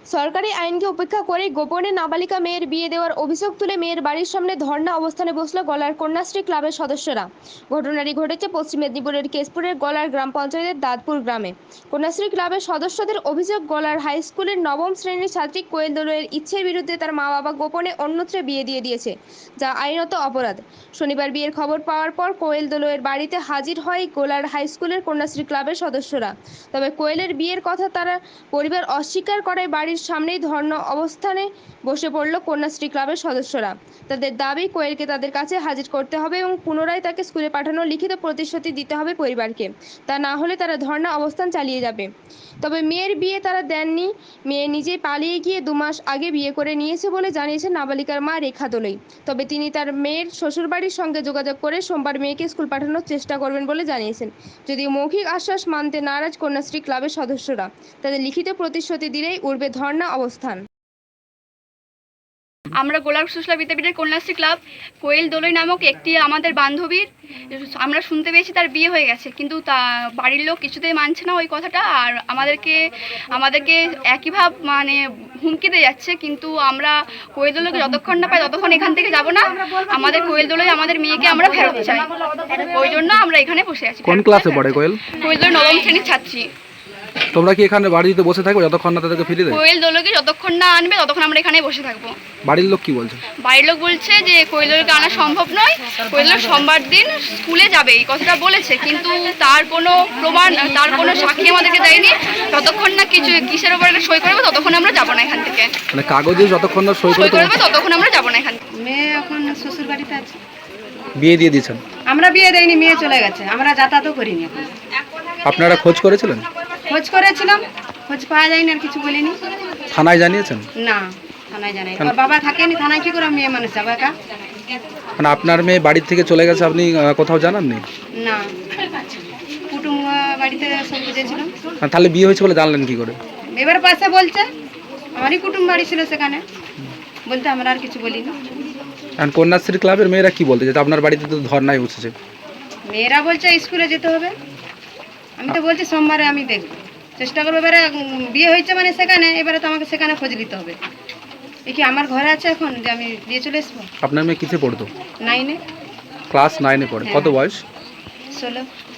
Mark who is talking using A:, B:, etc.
A: সরকারি আইনকে উপেক্ষা করে গোপনে নাবালিকা মেয়ের বিয়ে দেওয়ার অভিযোগ তুলে মেয়ের বাড়ির সামনে ধর্ণা অবস্থানে বসল গলার কন্যাশ্রী ক্লাবের সদস্যরা। ঘটনাটি ঘটেছে পশ্চিম মেদিনীপুরের কেশপুরের গলার গ্রাম পঞ্চায়েতের দাঁতপুর গ্রামে। কন্যাশ্রী ক্লাবের সদস্যদের অভিযোগ, গলার হাই স্কুলের নবম শ্রেণীর ছাত্রী কোয়েল দোলয়ের ইচ্ছের বিরুদ্ধে তার মা বাবা গোপনে অন্যত্রে বিয়ে দিয়ে দিয়েছে, যা আইনত অপরাধ। শনিবার বিয়ের খবর পাওয়ার পর কোয়েল দোলয়ের বাড়িতে হাজির হয় গোলার হাই স্কুলের কন্যাশ্রী ক্লাবের সদস্যরা। তবে কোয়েলের বিয়ের কথা তারা পরিবার অস্বীকার করায় বাড়ির সামনেই ধর্ণা অবস্থানে বসে পড়ল কন্যাশ্রী ক্লাবের সদস্যরা। তাদের দাবি, কোয়েলকে তাদের কাছে হাজির করতে হবে এবং পুনরায় তাকে স্কুলে পাঠানোর লিখিত প্রতিশ্রুতি দিতে হবে পরিবারকে। তা না হলে তারা ধর্ণা অবস্থান চালিয়ে যাবে। তবে মেয়ের বিয়ে তারা দেননি। মেয়ে নিজেই পালিয়ে গিয়ে 2 মাস আগে বিয়ে করে নিয়েছে বলে জানিয়েছেন নাবালিকার মা রেখা দোলই। তবে তিনি তার মেয়ের শ্বশুরবাড়ির সঙ্গে যোগাযোগ করে সোমবার মেয়েকে স্কুল পাঠানোর চেষ্টা করবেন বলে জানিয়েছেন। যদিও মৌখিক আশ্বাস মানতে নারাজ কন্যাশ্রী ক্লাবের সদস্যরা, তাদের লিখিত প্রতিশ্রুতি দিলেই উঠবে ধর্ণা অবস্থান।
B: আমরা গোলাপ সুশলা বিদ্যাপীঠের কন্যাশ্রী ক্লাব কোয়েল দোলই নামক একটি আমাদের বান্ধবীর আমরা শুনতে পেয়েছি তার বিয়ে হয়ে গেছে, কিন্তু তা বাড়ির লোক কিছুতেই মানছে না ওই কথাটা, আর আমাদেরকে একইভাবে মানে হুমকি দিয়ে যাচ্ছে। কিন্তু আমরা কোয়েল দোলকে যতক্ষণ না পাই ততক্ষণ এখান থেকে যাব না। আমাদের কোয়েল দোলই আমাদের মেয়েকে আমরা ফেরত চাই, ওই জন্য আমরা এখানে বসে আছি।
C: কোন ক্লাসে পড়ে কোয়েল?
B: কোয়েল দোল নবম শ্রেণীর ছাত্রী।
C: তোমরা কি এখানে বাড়িতে বসে থাকবে যতক্ষণ না তাদেরকে ফিরিয়ে দেয়?
B: কোয়েল দোলকে যতক্ষণ না আনবে ততক্ষণ আমরা এখানে বসে থাকবো।
C: বাড়ির লোক কি বলছে?
B: বাড়ির লোক বলছে যে কোয়েল দোলকে আনা সম্ভব নয়, কোয়েল দোল সোমবার দিন স্কুলে যাবে, এই কথাটা বলেছে, কিন্তু তার কোনো প্রমাণ, তার কোনো সাক্ষী আমাদেরকে দেয়নি। ততক্ষণ না কিসের উপর একটা সই করবে ততক্ষণ আমরা যাবো না এখান থেকে।
C: মানে কাগজে যতক্ষণ না সই
B: করবে ততক্ষণ আমরা যাবো না এখান থেকে।
D: মেয়ে এখন শ্বশুর বাড়িতে আছে।
C: বিয়ে দিয়ে দিয়েছেন?
D: আমরা বিয়ে দেয়নি, মেয়ে চলে গেছে, আমরা যাতায়াতও করিনি এখন।
C: আপনারা খোঁজ করেছিলেন?
D: খোঁজ করেছিলাম, খোঁজ পাওয়া যায়নি, আর কিছু বলিনি।
C: থানায় জানিয়েছেন?
D: না, থানায় জানাই। ওর বাবা থাকেনি, থানায় কি করে মেয়ে মানুষ যাবে একা?
C: মানে আপনার মেয়ে বাড়ির থেকে চলে গেছে, আপনি কোথাও জানাননি?
D: না, কুটুম বাড়িতে সব বুঝেছিলাম।
C: তাহলে বিয়ে হয়েছে বলে জানলেন কি করে?
D: এবার পাশে বলছে, আমারই কুটুম বাড়ি ছিল সেখানে, বলতে আমরা আর কিছু বলিনি।
C: আর কন্যাশ্রী ক্লাবের মেয়েরা কি বলতে, যে আপনার বাড়িতে তো ধর্নায় বসেছে?
D: মেয়েরা বলছে স্কুলে যেতে হবে। আমি তো বলছি সোমবারে আমি দেখব, চেষ্টা করবো। এবারে বিয়ে হয়েছে মানে সেখানে, এবারে তো আমাকে সেখানে খোঁজ নিতে হবে। এ কি আমার ঘরে আছে এখন যে আমি দিয়ে চলে আসবো?
C: আপনার মেয়ে কিসে পড়তো?
D: 9-এ।
C: ক্লাস 9-এ পড়ে। কত বয়স?
D: 16।